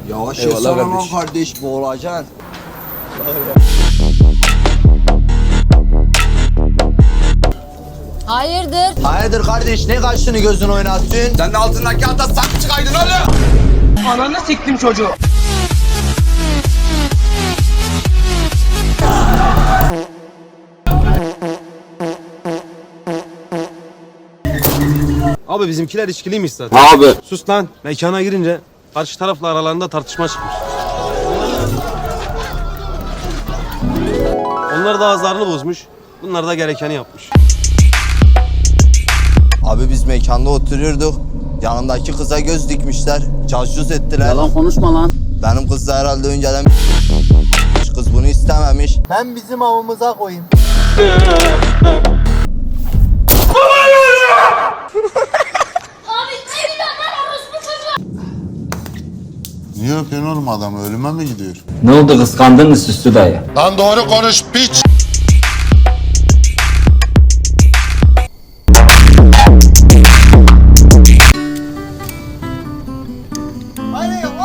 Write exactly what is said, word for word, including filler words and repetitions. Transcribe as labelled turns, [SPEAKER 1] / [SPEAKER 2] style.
[SPEAKER 1] Yavaş
[SPEAKER 2] Eyvallah
[SPEAKER 1] yasana lan
[SPEAKER 2] kardeş.
[SPEAKER 1] kardeş, boğulacaksın.
[SPEAKER 3] Hayırdır?
[SPEAKER 1] Hayırdır kardeş, ne kaşını gözünü oynattın?
[SPEAKER 2] Sen de altındaki ata saklı çıkaydın oğlum.
[SPEAKER 4] Ananı siktim çocuğu.
[SPEAKER 5] Abi bizimkiler içkiliymiş zaten.
[SPEAKER 2] Abi.
[SPEAKER 5] Sus lan. Mekana girince karşı tarafla aralarında tartışma çıkmış. Onlar da ağızlarını bozmuş. Bunlar da gerekeni yapmış.
[SPEAKER 1] Abi biz mekanda oturuyorduk. Yanımdaki kıza göz dikmişler. Cazcuz ettiler.
[SPEAKER 6] Yalan konuşma lan.
[SPEAKER 1] Benim kız da herhalde önceden kız bunu istememiş. Ben bizim avımıza koyayım.
[SPEAKER 7] Niye öpüyorsun oğlum adamı? Ölüme mi gidiyor?
[SPEAKER 6] Ne oldu, kıskandın mı Süslü dayı?
[SPEAKER 7] Lan doğru konuş piç!
[SPEAKER 1] Aynen